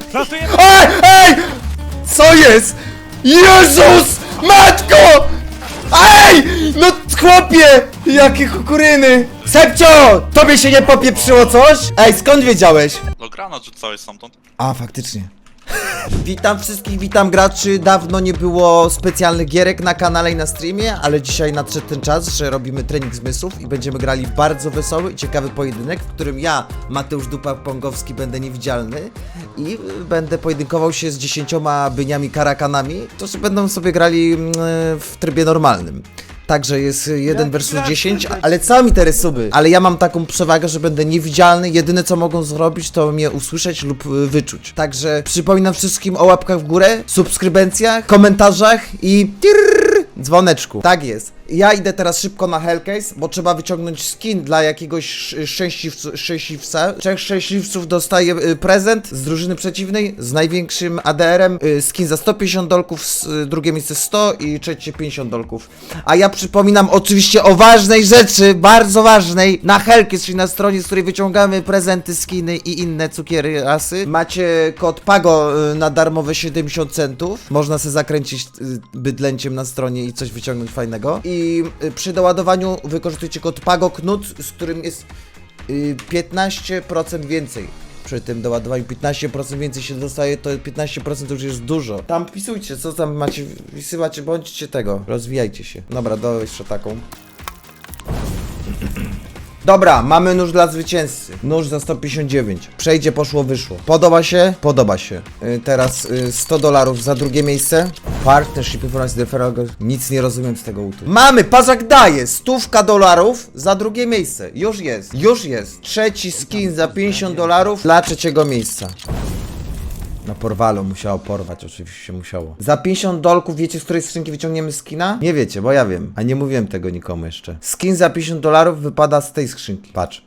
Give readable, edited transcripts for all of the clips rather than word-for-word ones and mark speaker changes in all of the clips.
Speaker 1: Plantujemy!
Speaker 2: Ej! Ej! Co jest? Jezus! Matko! Ej! No chłopie! Jakie kukuryny! Sepcio! Tobie się nie popieprzyło coś? Ej, skąd wiedziałeś?
Speaker 3: No granat rzucałeś stamtąd.
Speaker 2: A, faktycznie. Witam wszystkich, witam graczy. Dawno nie było specjalnych gierek na kanale i na streamie, ale dzisiaj nadszedł ten czas, że robimy trening zmysłów i będziemy grali w bardzo wesoły i ciekawy pojedynek, w którym ja, Mateusz Dupa-Pongowski, będę niewidzialny i będę pojedynkował się z 10 byniami karakanami, którzy będą sobie grali w trybie normalnym. Także jest 1 versus 10, ale co mi te suby? Ale ja mam taką przewagę, że będę niewidzialny. Jedyne co mogą zrobić, to mnie usłyszeć lub wyczuć. Także przypominam wszystkim o łapkach w górę, subskrybencjach, komentarzach i dzwoneczku. Tak jest. Ja idę teraz szybko na Hellcase, bo trzeba wyciągnąć skin dla jakiegoś szczęśliwca. 3 szczęśliwców dostaje prezent z drużyny przeciwnej z największym ADR-em. Skin za 150 dolków, drugie miejsce 100 i trzecie 50 dolków. A ja przypominam oczywiście o ważnej rzeczy, bardzo ważnej. Na Hellcase, czyli na stronie, z której wyciągamy prezenty, skiny i inne cukiery rasy. Macie kod PAGO na darmowe 70 centów. Można sobie zakręcić bydlęciem na stronie i coś wyciągnąć fajnego. I przy doładowaniu wykorzystujcie kod PAGOKNUT, z którym jest 15% więcej. Przy tym doładowaniu 15% więcej się dostaje, to 15% to już jest dużo. Tam wpisujcie, co tam macie, wpisywać, bądźcie tego, rozwijajcie się. Dobra, dawaj jeszcze taką. Dobra, mamy nóż dla zwycięzcy. Nóż za 159. Przejdzie, poszło, wyszło. Podoba się? Podoba się. Teraz $100 za drugie miejsce. Partnership Information Referral. Nic nie rozumiem z tego utu. Mamy, Pazak daje $100 za drugie miejsce. Już jest, już jest. Trzeci skin za $50 dla trzeciego miejsca. No porwalo, musiało porwać, oczywiście musiało. Za 50 dolków wiecie, z której skrzynki wyciągniemy skina? Nie wiecie, bo ja wiem, a nie mówiłem tego nikomu jeszcze. Skin za $50 wypada z tej skrzynki, patrz.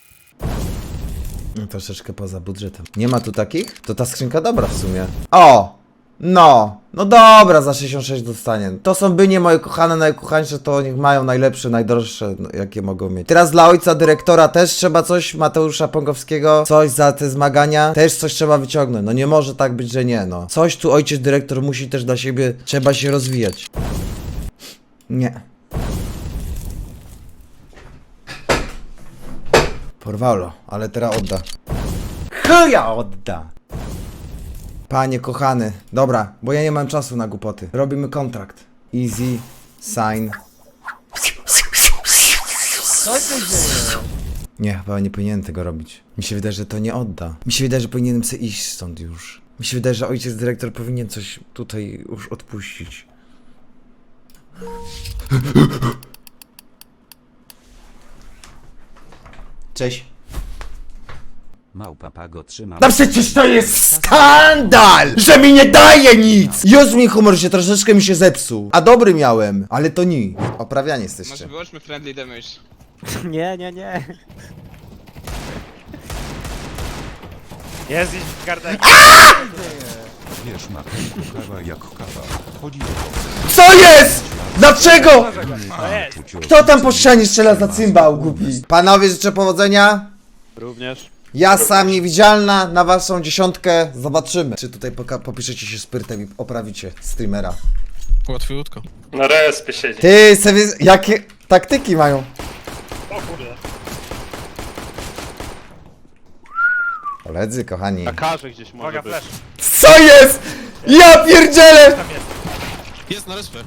Speaker 2: No troszeczkę poza budżetem. Nie ma tu takich? To ta skrzynka dobra w sumie. O! No dobra, za 66 dostanie. To są bynie moje kochane, najukochańsze, to niech mają najlepsze, najdroższe, no, jakie mogą mieć. Teraz dla ojca dyrektora też trzeba coś, Mateusza Pongowskiego, coś za te zmagania, też coś trzeba wyciągnąć. No nie może tak być, że nie, no. Coś tu ojciec dyrektor musi też dla siebie, trzeba się rozwijać. Nie. Porwało, ale teraz odda. Chuja odda! Panie kochany, dobra, bo ja nie mam czasu na głupoty. Robimy kontrakt. Easy, sign.
Speaker 1: Co się dzieje?
Speaker 2: Nie, chyba nie powinienem tego robić. Mi się wydaje, że to nie odda. Mi się wydaje, że powinienem sobie iść stąd już. Mi się wydaje, że ojciec dyrektor powinien coś tutaj już odpuścić. Cześć.
Speaker 4: Małpa Pago trzyma.
Speaker 2: No przecież to jest skandal, że mi nie daje nic! Już mi humor się troszeczkę mi się zepsuł. A dobry miałem, ale to nie. Oprawianie
Speaker 5: Może
Speaker 2: jesteście.
Speaker 5: wyłączmy friendly damage.
Speaker 1: Nie. Jest gdzieś w gardenie.
Speaker 4: Wiesz, Mateusz, kawa jak kawa. Chodzi o to,
Speaker 2: Co jest? Dlaczego?
Speaker 1: To jest.
Speaker 2: Kto tam po ścianie strzela za cymbał, głupi? Panowie, życzę powodzenia.
Speaker 1: Również.
Speaker 2: Ja sam niewidzialna, na waszą dziesiątkę. Zobaczymy, czy tutaj popiszecie się sprytem i oprawicie streamera.
Speaker 3: Łatwiutko.
Speaker 6: Na respie siedzi.
Speaker 2: Ty, sobie, jakie taktyki mają? Koledzy, kochani.
Speaker 7: Na karze gdzieś może
Speaker 1: Uwaga,
Speaker 7: być.
Speaker 1: flash.
Speaker 2: Co jest? Ja pierdzielę!
Speaker 3: Jest na respę.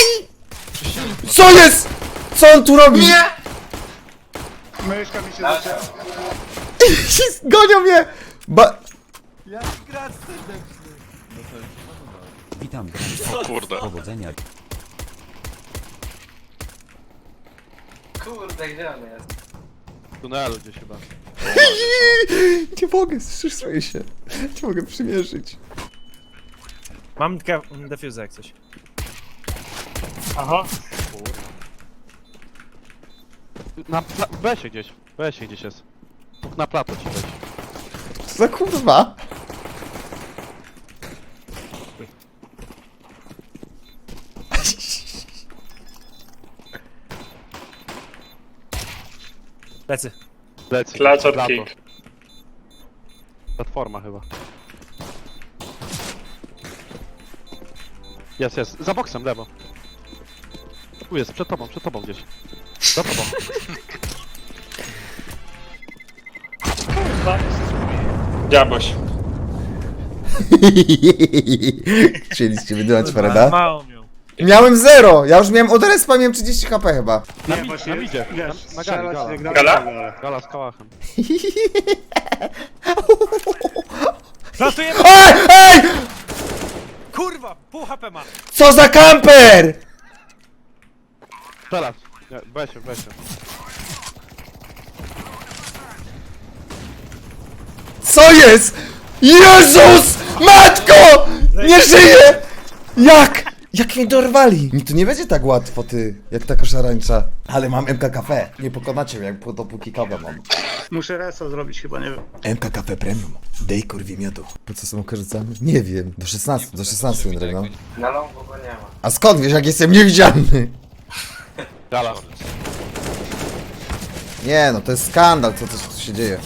Speaker 2: Co jest? Co on tu robi? Nie!
Speaker 6: Myszka mi się zaczęła.
Speaker 2: Gonią mnie!
Speaker 4: witam
Speaker 3: O kurde.
Speaker 4: powodzenia.
Speaker 7: W tunelu gdzieś chyba.
Speaker 2: Nie mogę, strzesuję się. Nie mogę przymierzyć.
Speaker 1: Mam defuse jak coś.
Speaker 7: Na besie gdzieś. Besie gdzieś jest. Mógł na plato ci wejść.
Speaker 2: Co za kurwa?
Speaker 1: Lecy.
Speaker 7: Plecy.
Speaker 6: Clutch or
Speaker 7: Plato.
Speaker 6: kick.
Speaker 7: Platforma chyba. Jest, jest. Za boksem, lewo. Tu jest, przed tobą gdzieś. Za tobą.
Speaker 6: Diabłoś.
Speaker 2: Chcieliście wydywać Freda?
Speaker 1: Mało miał.
Speaker 2: Miałem 0! Ja już miałem od respa, miałem 30 HP chyba.
Speaker 7: Na
Speaker 6: Nie,
Speaker 7: mi-
Speaker 6: właśnie,
Speaker 7: na midzie.
Speaker 6: wiesz,
Speaker 7: Na gali,
Speaker 6: strzelać
Speaker 7: gala.
Speaker 6: nie gra-
Speaker 3: Gala?
Speaker 7: Gala z kałachem.
Speaker 1: Plantujemy!
Speaker 2: Ej! Ej!
Speaker 1: Kurwa! Pół HP ma!
Speaker 2: Co za kamper!
Speaker 7: Teraz. Nie, weź się.
Speaker 2: Co jest? Jezus! Matko! Nie żyję! Jak? Jak mnie dorwali? Mi tu nie będzie tak łatwo, ty, jak ta koszarańcza. Ale mam MKKP. Nie pokonacie mnie, dopóki kawę mam.
Speaker 6: Muszę reso zrobić chyba, nie wiem.
Speaker 2: MKKP Premium. Dej kurwi miodu. Po co są korzystamy? Nie wiem. Do 16 Jędrek, no.
Speaker 5: Na longu go nie ma.
Speaker 2: A skąd wiesz, jak jestem niewidzialny?
Speaker 7: Gala.
Speaker 2: Nie no, to jest skandal, co się dzieje.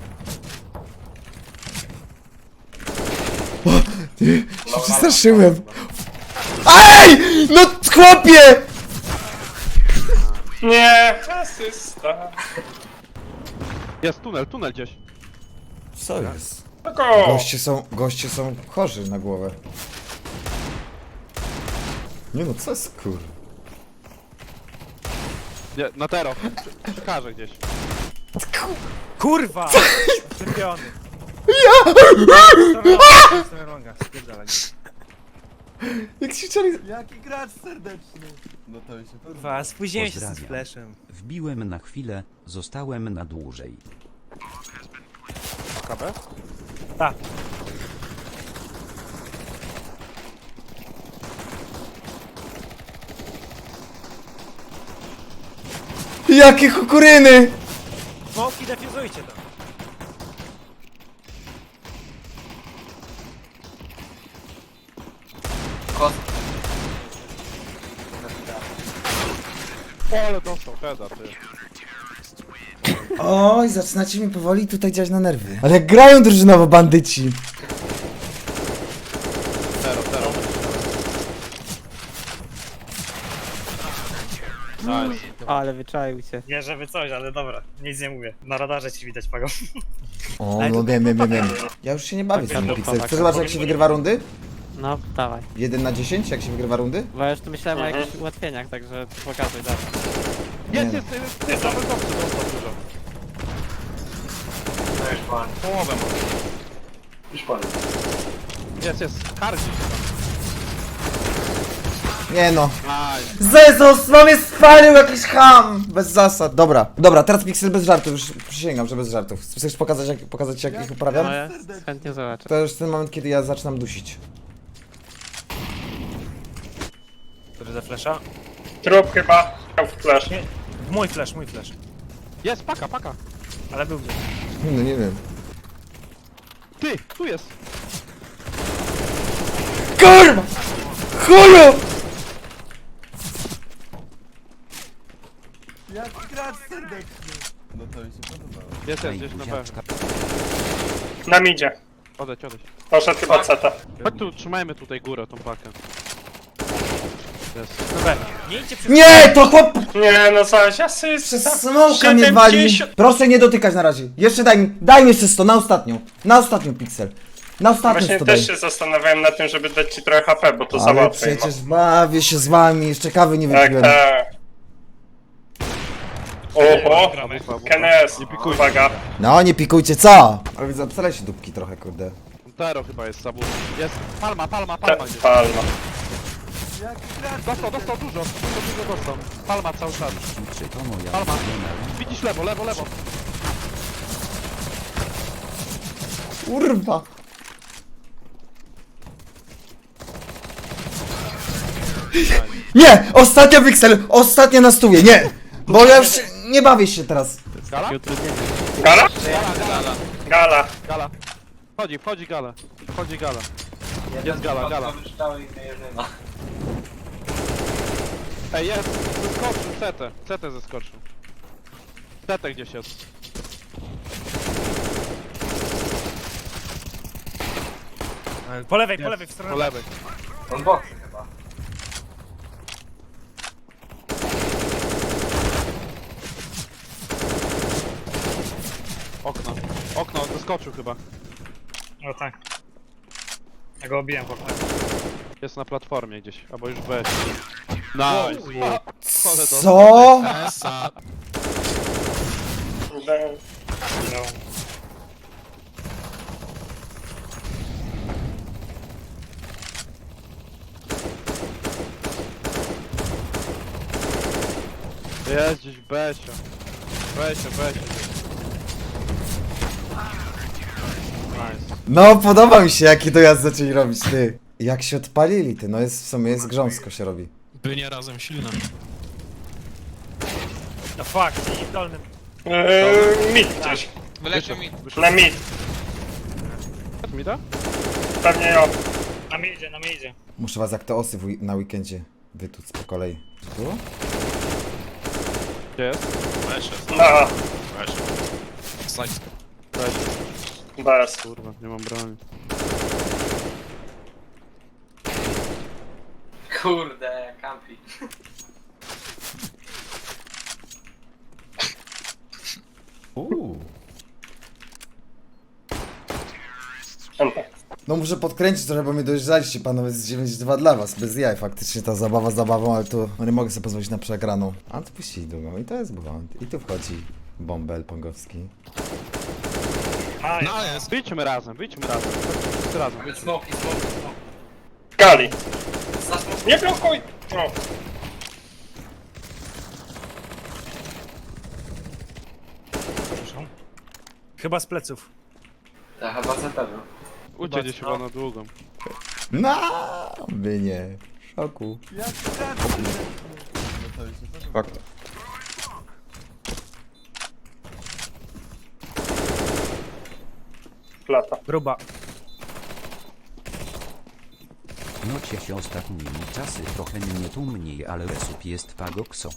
Speaker 2: O, ty, się przestraszyłem. Ej! No chłopie!
Speaker 6: Nie! Asysta.
Speaker 7: Jest tunel gdzieś.
Speaker 2: Co jest?
Speaker 6: Tylko!
Speaker 2: Goście są chorzy na głowę. Nie no, co jest kur...
Speaker 7: Nie, na tero. Przekażę gdzieś.
Speaker 1: Kurwa! Czempiony.
Speaker 2: Ja!
Speaker 1: Spierdalaj.
Speaker 2: Jak się czali...
Speaker 1: Kurwa, spóźniłem się z
Speaker 4: Pozdrawiam.
Speaker 1: flashem.
Speaker 4: Wbiłem na chwilę, zostałem na dłużej.
Speaker 7: KB?
Speaker 1: Tak.
Speaker 2: Jakie kukuryny!
Speaker 1: Smoki defuzujcie tam.
Speaker 7: Ale dostał, heada, ty.
Speaker 2: Oj, zaczynacie mi powoli tutaj działać na nerwy. Ale jak grają drużynowo bandyci.
Speaker 7: Tero. Nice.
Speaker 8: Ale wyczaił się.
Speaker 9: Nie, żeby coś, ale dobra, nic nie mówię. Na radarze ci widać, Pago.
Speaker 2: O, no wiem. Ja już się nie bawię z tym Pixel. Chcesz zobaczyć, jak się wygrywa rundy?
Speaker 8: No, dawaj.
Speaker 2: 1 na 10, jak się wygrywa rundy?
Speaker 8: Bo ja już tu myślałem o jakichś ułatwieniach, także pokazuj dalej.
Speaker 7: Jest, double boxy dostał dużo.
Speaker 5: No już pan.
Speaker 7: Połowę ma.
Speaker 5: Już pan.
Speaker 7: Jest. Hardzi.
Speaker 2: Nie no.
Speaker 7: Nice.
Speaker 2: Jezus, mam jest spalił jakiś ham! Bez zasad. Dobra, teraz Pixel bez żartów, już przysięgam, że bez żartów. Chcesz pokazać jak ich uprawiam?
Speaker 8: No ja chętnie zobaczę.
Speaker 2: To już ten moment, kiedy ja zaczynam dusić.
Speaker 1: Który za flasha?
Speaker 6: Trup chyba. Miał flash.
Speaker 1: Mój flash.
Speaker 7: Jest, paka.
Speaker 1: Ale był gdzieś.
Speaker 2: No nie wiem.
Speaker 7: Ty, tu jest.
Speaker 2: Kurwa! Chuju!
Speaker 7: Jest gdzieś na B.
Speaker 6: Na midzie.
Speaker 7: Odejdź.
Speaker 6: Poszedł chyba ceta.
Speaker 7: Chodź tu, trzymajmy tutaj górę, tą pakę. Jest.
Speaker 1: Dobra, nie idźcie przy...
Speaker 2: Nie, to chłop...
Speaker 6: Nie no coś, asysta.
Speaker 2: Przez smoka mnie wali.
Speaker 6: 70.
Speaker 2: Proszę nie dotykać na razie. Jeszcze daj mi jeszcze 100, na ostatnią. Na ostatnią Pixel. Na ostatnią
Speaker 6: Właśnie
Speaker 2: 100 daj.
Speaker 6: też się zastanawiałem na tym, żeby dać ci trochę HP, bo to za
Speaker 2: Ale
Speaker 6: łatwe.
Speaker 2: przecież bawię się z wami, jeszcze kawy nie
Speaker 6: Tak,
Speaker 2: wypiłem.
Speaker 6: tak. Oho, Kenes, uwaga.
Speaker 2: No nie pikujcie, co? Ale zapsali się dupki trochę, kurde.
Speaker 7: Tero chyba jest sabu. Jest. Palma gdzieś.
Speaker 6: Palma.
Speaker 7: Dostał dużo dostał. Palma cały czas.
Speaker 4: Czy to moja
Speaker 7: Palma.
Speaker 4: ulubiona?
Speaker 7: Widzisz lewo.
Speaker 2: Kurwa. Nie! Ostatnia Pixel! Ostatnia na stówie, nie! Bo ja już nie bawię się teraz.
Speaker 7: Gala?
Speaker 6: Gala? Gala.
Speaker 7: Wchodzi gala. Jest gala. Ej, jest. Zeskoczył, CT zeskoczył. CT gdzieś jest.
Speaker 1: Po lewej, w stronę.
Speaker 7: Po lewej.
Speaker 5: On boksy chyba.
Speaker 7: Okno, zaskoczył chyba.
Speaker 9: No tak. Ja go obiłem po prostu.
Speaker 7: Jest na platformie gdzieś, albo już weź. Nice.
Speaker 2: Co?
Speaker 3: Esa.
Speaker 9: No.
Speaker 7: Jest gdzieś Besio. Besio. Nice.
Speaker 2: No, podoba mi się, jaki dojazd zaczęli robić, ty. Jak się odpalili, ty, no jest w sumie, jest grząsko się robi.
Speaker 3: By nie razem silne.
Speaker 1: No fuck, i w dolnym.
Speaker 6: Mid gdzieś.
Speaker 7: Wyleciał mi.
Speaker 6: Na mid.
Speaker 7: Mi da?
Speaker 6: Pewnie ja.
Speaker 9: Na mnie idzie.
Speaker 2: Muszę was jak te osy na weekendzie wytuc po kolei. Tu?
Speaker 7: Gdzie jest?
Speaker 3: Weź jest.
Speaker 6: Na
Speaker 3: Weź. Slajd.
Speaker 7: Weź.
Speaker 6: bez.
Speaker 7: Kurwa, nie mam broni.
Speaker 5: Kurde, kampi.
Speaker 2: No muszę podkręcić trochę, bo mnie dojeżdżaliście, panowie, z 9-2 dla was, bez jaj, faktycznie ta zabawa zabawą, ale tu no nie mogę sobie pozwolić na przegraną. A tu puścili długą i to jest błąd. I tu wchodzi bąbel pongowski.
Speaker 9: A,
Speaker 3: No jest.
Speaker 7: Wyjdźmy razem. Wszyscy razem, wyjdźmy.
Speaker 5: Smoki.
Speaker 6: Gali.
Speaker 5: Za smoki.
Speaker 6: Nie blokuj! O.
Speaker 1: Chyba z pleców.
Speaker 5: Ja chyba za pewno.
Speaker 7: Uciekł gdzieś chyba na długą.
Speaker 2: No, by nie. Szoku. Fakt.
Speaker 6: Plata.
Speaker 1: Gruba.
Speaker 4: Nocie się ostatnimi czasy trochę mnie tu mniej, ale resup jest pagokso.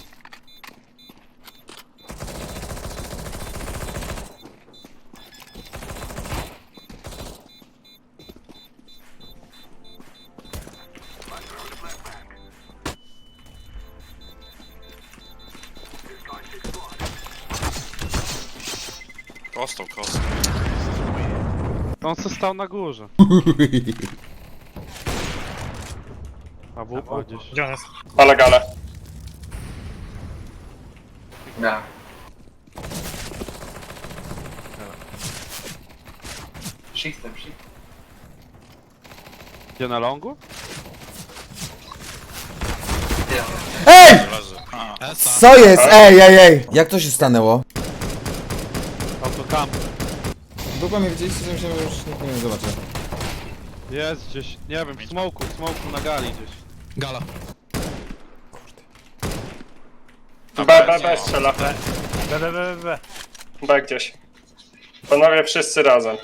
Speaker 3: Kostą.
Speaker 7: On se stał na górze. A wupa gdzieś.
Speaker 9: gdzie on jest?
Speaker 6: Ale gale.
Speaker 5: Ja. Shiftem.
Speaker 7: Gdzie na longu?
Speaker 2: Ej!
Speaker 3: Leży. A. Esa.
Speaker 2: Co jest? Ej! Jak to się stanęło?
Speaker 7: Autocamp.
Speaker 2: Długo mnie widzieliście, że myślałem, że już nikt mnie nie zobaczy.
Speaker 7: Jest gdzieś, nie wiem, w smoku na gali gdzieś.
Speaker 3: Gala.
Speaker 6: B strzela.
Speaker 1: B.
Speaker 6: B gdzieś. Panowie wszyscy razem.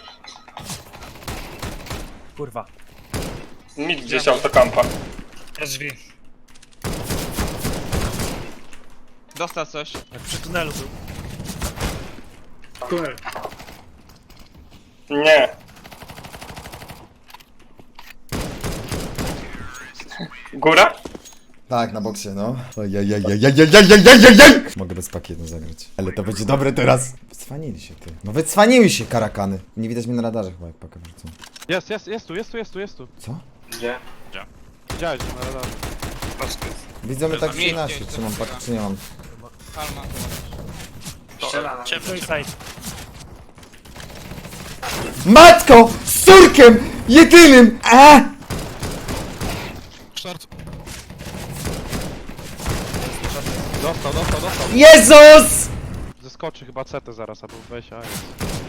Speaker 1: Kurwa.
Speaker 6: Mid gdzieś autokampa.
Speaker 9: Jest drzwi.
Speaker 7: Dostał coś.
Speaker 1: Jak przy tunelu był.
Speaker 9: Tunel.
Speaker 6: Nie. Góra?
Speaker 2: Tak, na boksie, no. Ojej. Mogę bez pakietu zagrać. Ale to będzie dobre teraz. Wycwanili się, ty. No wycwaniły się karakany. Nie widać mnie na radarze chyba, jak pakę wrzucą.
Speaker 7: Jest tu.
Speaker 2: Co?
Speaker 5: Gdzie?
Speaker 7: Widziałeś go na radarze.
Speaker 2: Widzą mnie tak 13, czy mam pakę, czy nie mam.
Speaker 5: Strzela na
Speaker 3: Ciemny.
Speaker 1: Suicide.
Speaker 2: Matko! Z córkiem! Jedynym!
Speaker 3: Short.
Speaker 7: Dostał.
Speaker 2: Jezus!
Speaker 7: Zeskoczy chyba CT zaraz, albo weź, a jest.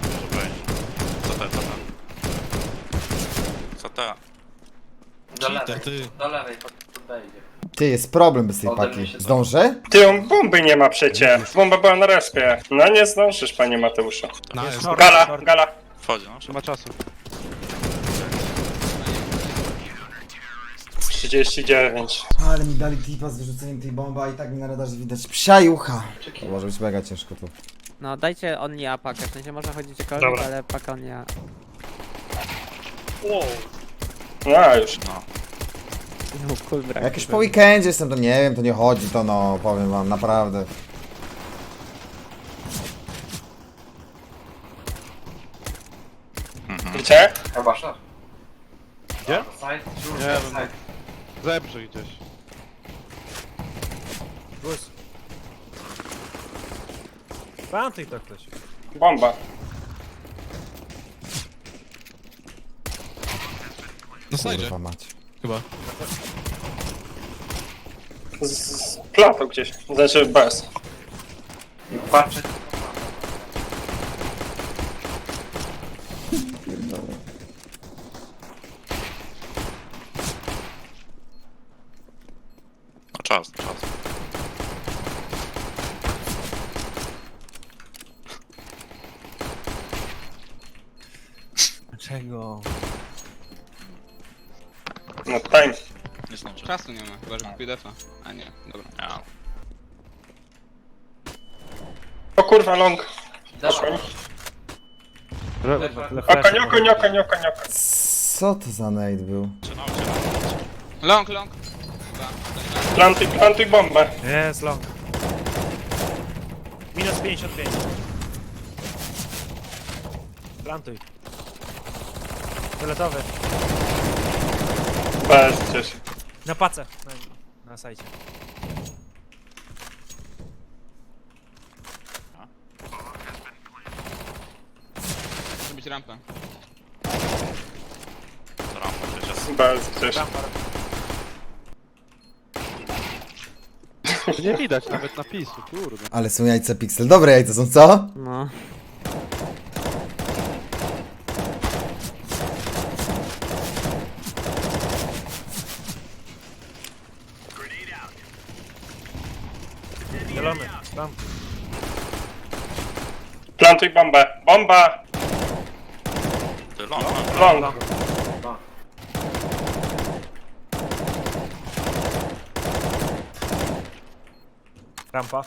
Speaker 3: Co ta?
Speaker 5: Do lewej.
Speaker 3: Ty.
Speaker 5: Do lewej, podejdzie.
Speaker 2: Ty, jest problem bez tej
Speaker 5: Ode mnie
Speaker 2: paki.
Speaker 5: się
Speaker 2: Zdążę?
Speaker 6: Ty, on bomby nie ma przecie. Bomba była na respie. No nie zdążysz, panie Mateuszu.
Speaker 3: No jest.
Speaker 1: Short,
Speaker 6: Gala.
Speaker 3: Wchodzi, no.
Speaker 7: Nie ma czasu.
Speaker 6: 39.
Speaker 2: Ale mi dali tipa z wyrzuceniem tej bomby, a i tak mi na radarze widać psia jucha. To może być mega ciężko tu.
Speaker 8: No dajcie on nie a pakę, w sensie można chodzić gdziekolwiek,
Speaker 9: Dobra.
Speaker 8: ale paka on nie a.
Speaker 9: Wow.
Speaker 6: No już.
Speaker 8: No cool brak.
Speaker 2: Jak już po weekendzie jestem, to nie wiem, to nie chodzi, to no, powiem wam, naprawdę.
Speaker 6: Nie?
Speaker 5: Chyba szef.
Speaker 7: Gdzie?
Speaker 5: Side,
Speaker 7: Nie wiem.
Speaker 5: side.
Speaker 7: Zebrzyj gdzieś.
Speaker 1: Plus. Plantuj to ktoś.
Speaker 6: Bomba.
Speaker 3: Na slajdzie,
Speaker 2: Kurwa mać.
Speaker 3: chyba.
Speaker 6: Z platą gdzieś. Znaczy bez.
Speaker 5: I patrzeć.
Speaker 3: No czas, czas.
Speaker 1: Czego?
Speaker 6: No time.
Speaker 3: Nie zdążę.
Speaker 10: Czasu nie ma, chyba że kupię defa. A nie, dobra.
Speaker 3: Ja.
Speaker 6: O kurwa, long.
Speaker 5: Dawaj.
Speaker 6: Oko.
Speaker 2: Co to za nade był?
Speaker 10: Long, long.
Speaker 6: Plantuj bombę.
Speaker 1: Jest long. Minus 55. Plantuj. Fioletowy.
Speaker 6: Bez gdzieś.
Speaker 1: Na pace. Na sajcie.
Speaker 10: Może być rampa.
Speaker 3: Rampa przecież.
Speaker 6: Bez gdzieś.
Speaker 1: Rampar.
Speaker 7: Nie widać nawet napisu, kurde.
Speaker 2: Ale są jajca Pixel. Dobre jajca są, co?
Speaker 8: No.
Speaker 1: Zielony. Tam.
Speaker 6: Plantuj bombę. Bomba!
Speaker 3: Ty long,
Speaker 6: Long.
Speaker 1: Rampa.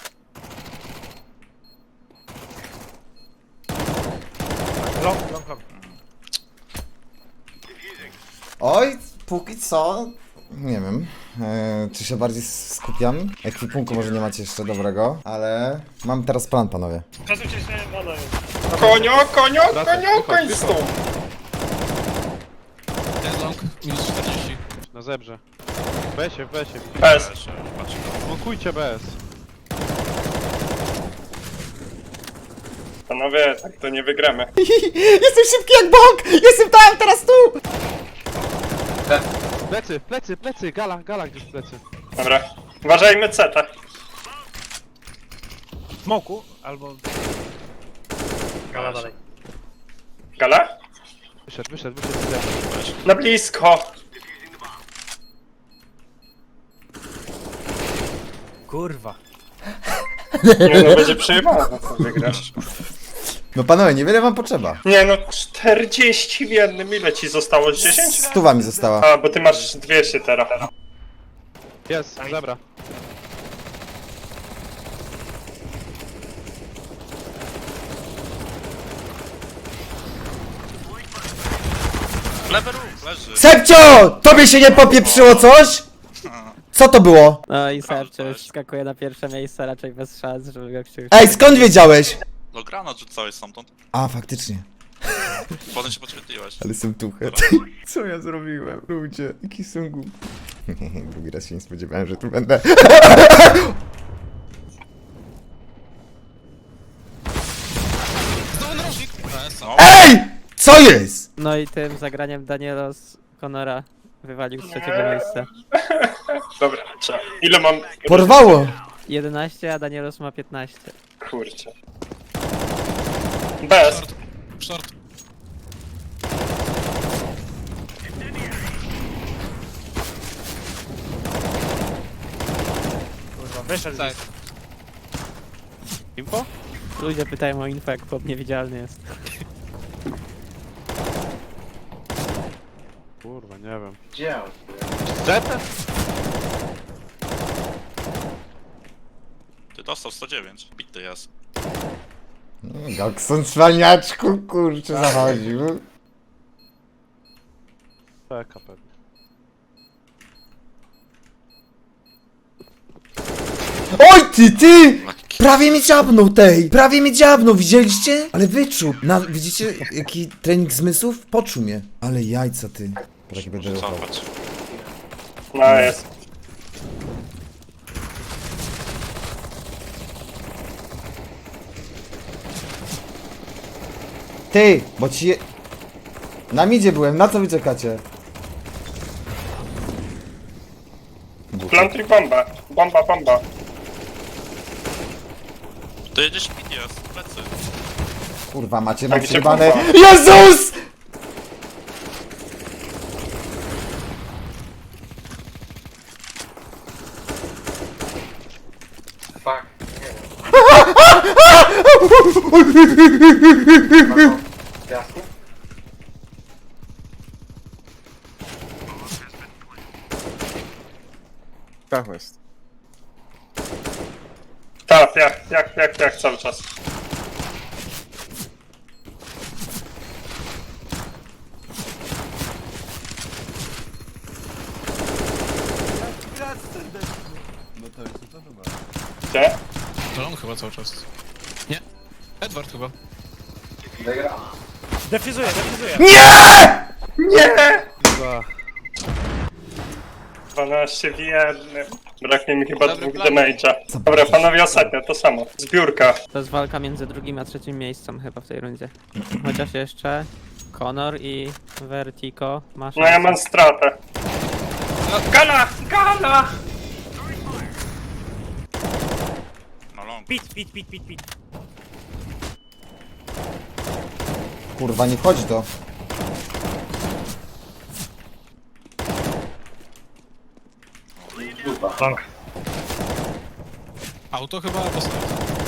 Speaker 1: Long.
Speaker 2: Oj, póki co... Nie wiem, czy się bardziej skupiam? Ekwipunku może nie macie jeszcze dobrego, ale mam teraz plan, panowie.
Speaker 9: Przesuńcie się, ale...
Speaker 6: Konio, końcu!
Speaker 3: Ten long, minus 40.
Speaker 7: Na zebrze. W besie.
Speaker 6: Bez.
Speaker 3: Patrz.
Speaker 7: Blokujcie bez.
Speaker 6: Panowie, tak to nie wygramy.
Speaker 2: Jestem szybki jak bok! Jestem tam, teraz tu!
Speaker 7: Plecy, gala gdzieś plecy.
Speaker 6: Dobra. Uważajmy CT.
Speaker 1: Smoku albo...
Speaker 9: Gala dalej.
Speaker 6: Gala?
Speaker 7: Wyszedł.
Speaker 6: Na blisko.
Speaker 1: Kurwa.
Speaker 6: Nie no, będzie przejebane, co wygrasz.
Speaker 2: No panowie, niewiele wam potrzeba.
Speaker 6: Nie no, 40 w jednym. Ile ci zostało? 10?
Speaker 2: 100 mi została.
Speaker 6: A, bo ty masz 200 teraz.
Speaker 7: Jest, zebra.
Speaker 3: Lewy róg, leży.
Speaker 2: Sepcio! Tobie się nie popieprzyło coś? Co to było?
Speaker 8: No i Sergio już skakuje na pierwsze miejsce, raczej bez szans, żeby go kciuć.
Speaker 2: Ej, skąd wiedziałeś?
Speaker 3: No granat rzucałeś stamtąd.
Speaker 2: A, faktycznie.
Speaker 3: Potem się podświetliłeś.
Speaker 2: Ale jestem tuchet. Co ja zrobiłem? Ludzie, jaki są głupi. Drugi raz się nie spodziewałem, że tu będę.
Speaker 3: Znowu narożnik! No.
Speaker 2: EJ! Co jest?
Speaker 8: No i tym zagraniem Danielos Conora wywalił z trzeciego miejsca.
Speaker 6: Dobra, trzeba. Ile mam?
Speaker 2: Porwało!
Speaker 8: 11, a Danielos ma 15.
Speaker 6: Kurczę. Bez.
Speaker 3: Short.
Speaker 1: Kurwa, wyszedł.
Speaker 10: Tak.
Speaker 7: Info?
Speaker 8: Ludzie pytają o info, jak chłop niewidzialny jest.
Speaker 7: Kurwa, nie wiem.
Speaker 5: Gdzie on?
Speaker 7: Zetem?
Speaker 3: Ty dostał 109. Bity jest.
Speaker 2: Gokson cwaniaczku, kurczę, zachodził.
Speaker 7: Peka pewnie.
Speaker 2: Oj, ty!
Speaker 3: Lekki
Speaker 2: Prawie mnie dziabnął tej! Prawie mnie dziabnął, widzieliście? Ale wyczuł. Widzicie jaki trening zmysłów? Poczuł mnie. Ale jajca ty. Taki będę ruchał.
Speaker 3: Cofać.
Speaker 6: No jest.
Speaker 2: Ty, bo ci... Na midzie byłem, na co wy czekacie?
Speaker 6: Plantuj bomba. Bomba, bomba.
Speaker 3: To jedziesz mid jest, plecy.
Speaker 2: Kurwa, macie
Speaker 6: A
Speaker 2: mam
Speaker 6: gdzie
Speaker 2: przerwane.
Speaker 6: bomba?
Speaker 2: Jezus!
Speaker 5: Fuck. Nie wiem. Piasku?
Speaker 1: Tak jest.
Speaker 6: Tak, jak cały czas. Gdzie?
Speaker 3: To on chyba cały czas. Nie. Edward chyba.
Speaker 5: Wygra.
Speaker 1: Defizuję, defizuję.
Speaker 2: Nie! Nie!
Speaker 6: 12 w jednym. Braknie mi chyba
Speaker 10: Dobry
Speaker 6: dwóch
Speaker 10: plan.
Speaker 6: damage'a. Dobra, panowie, ostatnio to samo. Zbiórka.
Speaker 8: To jest walka między drugim a trzecim miejscem chyba w tej rundzie. Chociaż jeszcze Conor i Vertigo ma
Speaker 6: No
Speaker 8: szansę.
Speaker 6: ja mam stratę. Gala! Gala!
Speaker 3: No long.
Speaker 1: Pit.
Speaker 2: Kurwa, nie wchodzi to.
Speaker 9: Long.
Speaker 3: Auto chyba dostaje.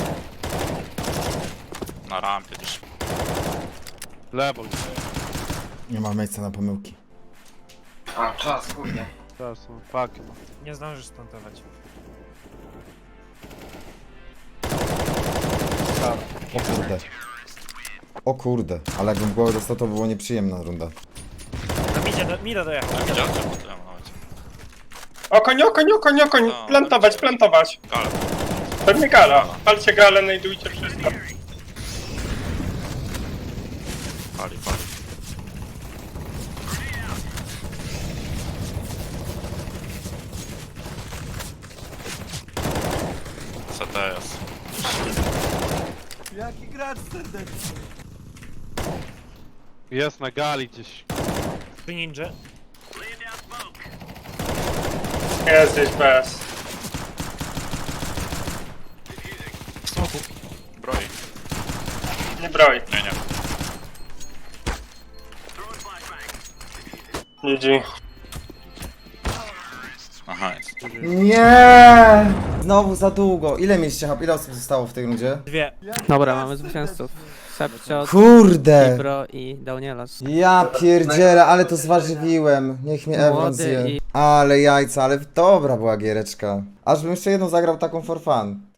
Speaker 3: Na rampie gdzieś.
Speaker 7: Lewo.
Speaker 2: Nie ma miejsca na pomyłki.
Speaker 5: A, czas, kurde.
Speaker 7: Teraz są fuck.
Speaker 1: Nie zdążysz stuntować.
Speaker 2: O kurde. O kurde, ale jakbym głowę dostał, to było nieprzyjemna runda.
Speaker 1: Na mida dojechał.
Speaker 3: Widziałem, że potem nawet.
Speaker 6: Okoń. Plantować.
Speaker 3: Gale.
Speaker 6: Pewnie gala. Palcie galę, najdujcie wszystko.
Speaker 3: Pali. CTS.
Speaker 7: Jest na gali gdzieś.
Speaker 1: Tu ninja.
Speaker 6: Jest gdzieś bez.
Speaker 3: Smoku. Broi.
Speaker 6: Nie broj.
Speaker 3: Nie.
Speaker 6: GG.
Speaker 3: Aha, jest.
Speaker 2: Nie! Znowu za długo. Ile mieliście hap? Ile osób zostało w tej rundzie?
Speaker 1: 2.
Speaker 8: Dobra, mamy zwycięzców. Sepciot,
Speaker 2: Kurde!
Speaker 8: Ibro i Daunielos.
Speaker 2: Ja pierdzielę, ale to zważywiłem. Niech mnie Ewan
Speaker 8: Młody
Speaker 2: zje.
Speaker 8: i-
Speaker 2: Ale jajca, ale dobra była giereczka. Aż bym jeszcze jedną zagrał taką for fun.